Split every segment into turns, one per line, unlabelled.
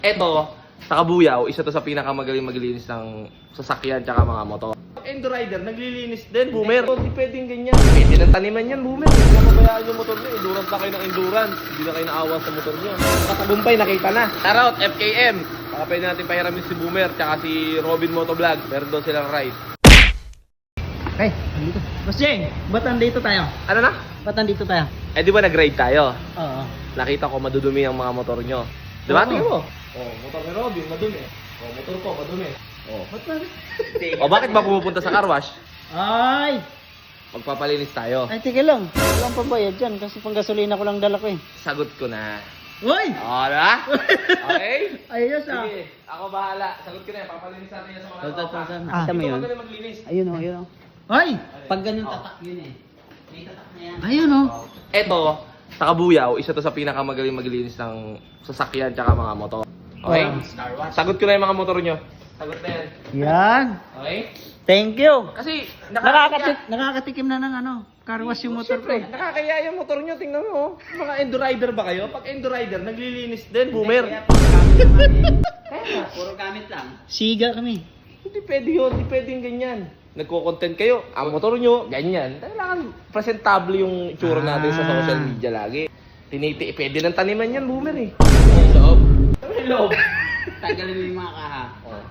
Eto, sa Kabuyaw, isa to sa pinakamagaling maglinis ng sasakyan tsaka mga motor. Endo Rider, naglilinis din, boomer. Hindi pwedeng ganyan. Pwede ng taniman yan, boomer. Hindi na mabayaan yung motor nyo. Endurance na kayo ng endurance. Hindi na kayo naawa sa motor nyo. Katagumpay, nakita na. Shoutout, FKM. Baka pwede natin pahiramin si Boomer tsaka si Robin Motovlog. Meron daw silang ride.
Okay, nandito. Boss Jeng, ba't nandito tayo?
Ano na?
Ba't nandito tayo?
Eh di ba nag-ride tayo?
Oo.
Nakita ko madudumi ang mga motor nyo. Diba?
Oo.
Tingnan mo. Oh, motor ni Robin, madumi. Oh, motor ko, madumi. Oh.
Ba't ba?
O bakit ba pumupunta sa car wash?
Ay!
Magpapalinis tayo.
Ay, tika lang. Walang pambayad dyan kasi pang gasolina ko lang dala ko eh.
Sagot ko na.
Uy!
O, diba? Okay?
Ayos ah.
Sige, ako bahala. Sagot ko na yan. Papalinis natin yan sa mga tropa.
Nakita mo
Ito
yun?
magaling maglinis.
Ayun o, ayun o. Ay! Pag ganun tatak yun eh. May tatak na yan. Ayun o.
Eto, sa Kabuyaw, isa to sa pinakamagaling maglinis ng sasakyan tsaka mga motor. Okay?
Wow.
Sagot ko na yung mga motor nyo. Sagot na yan.
Yan.
Okay?
Thank you.
Kasi,
Nakakatikim na ng ano, car wash yung motor ko.
Siyempre, nakakaya yung motor nyo. Tingnan mo. Oh. Mga Endo Rider ba kayo? Pag Endo Rider, naglilinis din, boomer.
Puro gamit lang. Siga kami.
Hindi pwede yun. Hindi pwedeng ganyan. Nagko-content kayo. Ang motor nyo, ganyan. Kailangan presentable yung itsura natin sa social media lagi. Pwede ng taniman yan, boomer eh. May loob. May loob.
Tagalin mo yung mga kaha.
Oh.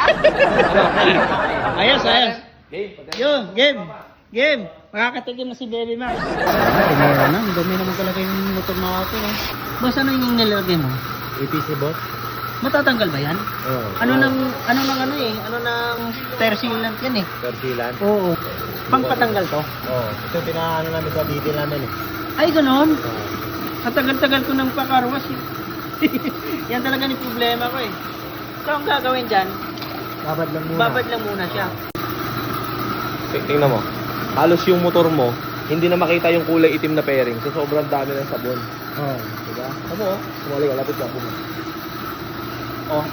Ayos, ayos.
Game.
Yo, game. Game. Makakatikim na si Baby Max. Meron na. Ang dami naman talaga yung motor natin eh. Boss, ano yung nilagay mo?
APC boss?
Matatanggal ba yan?
Oo.
Ano nang tire sealant yan eh.
Persilan?
Oo. Pangpatanggal to?
Oo. Ito yung pinaano namin sa detail namin eh.
Ay, ganon. Katagal-tagal ko ng pakarwas eh. Yan talaga ni problema ko eh. So, ang gagawin dyan,
Babad lang
babad lang muna siya.
Tingnan mo. Halos yung motor mo, hindi na makita yung kulay itim na pairing. So, sobrang dami ng sabon.
Oo.
Diba? Ano mo? Sumali ka. Lapit ka. Bumalik. Oh.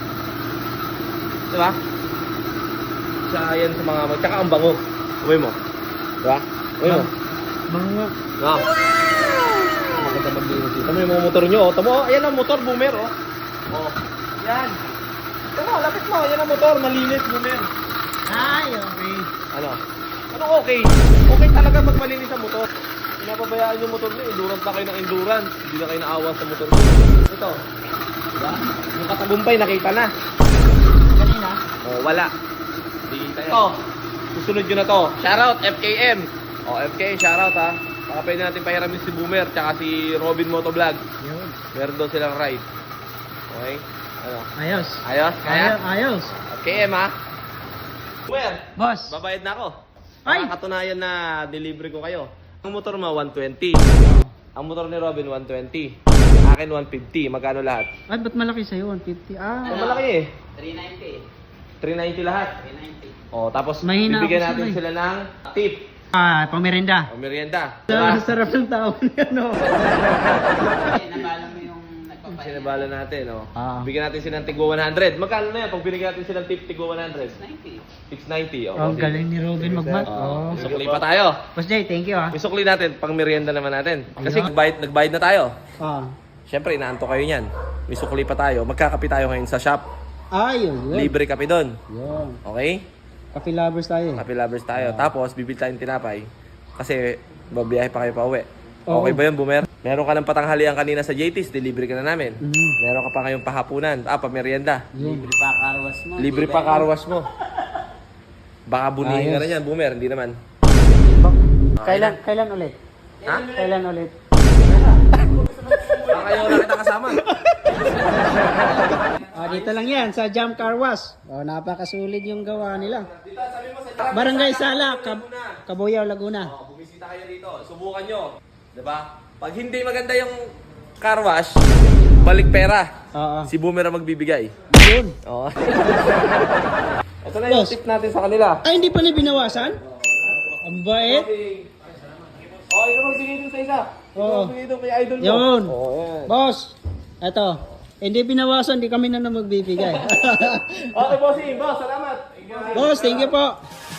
Diba? Sa yan sa mga... Tsaka ang bango. Uwi mo. Diba? Uwi mo.
Mga...
Wow. Maganda maglinis dito. Tama yung mga motor nyo. Oh. Tama, oh. Ayan ang motor, boomer. Oh. Oh. Yan. Tama, lapit mo. Ayan ang motor. Malinis, boomer.
Ay, okay.
Ano? Anong okay? Okay talaga magmalinis ang motor. Pinapabayaan yung motor nyo. Endurance na kayo ng endurance. Hindi na kayo naawa sa motor nyo. Ito. Diba? Yung katagumpay, nakita na.
Kanina?
Oh, wala. Hindi kita yan. Ito. Susunod nyo na to. Shoutout, FKM. Oh, FK, shoutout ha. Baka pwede natin pahiramin si Boomer tsaka si Robin Motovlog.
Yun.
Meron daw silang ride. Okay? Ano?
Ayos.
Ayos? Kaya?
Ayos.
FKM ha. Boomer,
Boss.
babayad na ako.
Ay!
Nakakatunayan na delivery ko kayo. Ang motor mo, 120. Ang motor ni Robin, 120. Akin, 150. Magkano lahat?
Ay, ba't malaki sa'yo? 150.
Ang malaki eh. 390 lahat.
390.
Oh, tapos
Mahina
bibigyan
ako
natin
sila
sila ng tip
Ah, pang merienda.
o merienda.
Sarap ng tao niya, no?
Nabala mo yung nagpapahinga.
Sinabala natin, oh.
Ah.
Bigyan natin sila ng tigwa 100. Magkano na yan pag binigyan natin sila ng tip tigwa 100?
90.
690. Oh,
Ang galing ni Robin magmat.
Oh,
Oh.
sukli pa tayo.
Boss Jay, thank you ah.
May sukli natin, pang merienda naman natin. Kasi
Ayun.
nagbayad na tayo.
Ah.
Siyempre, inaanto kayo niyan. May sukli pa tayo. Magkakape tayo ngayon sa shop.
Ay, yun.
Libre kape doon.
Yun.
Okay?
Coffee lovers tayo.
Kape lovers tayo. Tapos, bibili tayong tinapay. Kasi, babiyahe pa kayo pa uwi.
Oo.
Okay ba yun, Boomer? Meron ka ng patanghalian kanina sa JT's, delivery ka na namin.
Mhm.
Meron ka pa ngayong pahapunan. Pamerienda.
Yun.
Libre pa karwas mo.
Libre pa karwas mo. Baka bunihin ka
Ayos.
na yan, Boomer. Hindi naman.
Kailan ulit?
Ha?
Kailan ulit?
Baka kayo na kita kasama.
Ah, dito lang yan sa Jam Car Wash. Oh, napakasulit yung gawa nila. Barangay Sala, Kabuyaw, Laguna.
Bumisita kayo dito. Subukan nyo. Diba? Pag hindi maganda yung car wash, balik pera.
Oo.
Si Boomer ang magbibigay.
Yun.
Oo. Ito na yung
Boss.
tip natin sa kanila.
Ay, hindi pa ni binawasan? Ang bait.
Oh, ikaw magbigay dun sa isa. Ikaw
Oo.
magbigay dun kay idol mo.
Yun.
Oo, yan.
Boss, eto. Hindi binawasan, hindi kami na magbibigay.
Okay, bossing. Boss, salamat.
Boss, thank you po.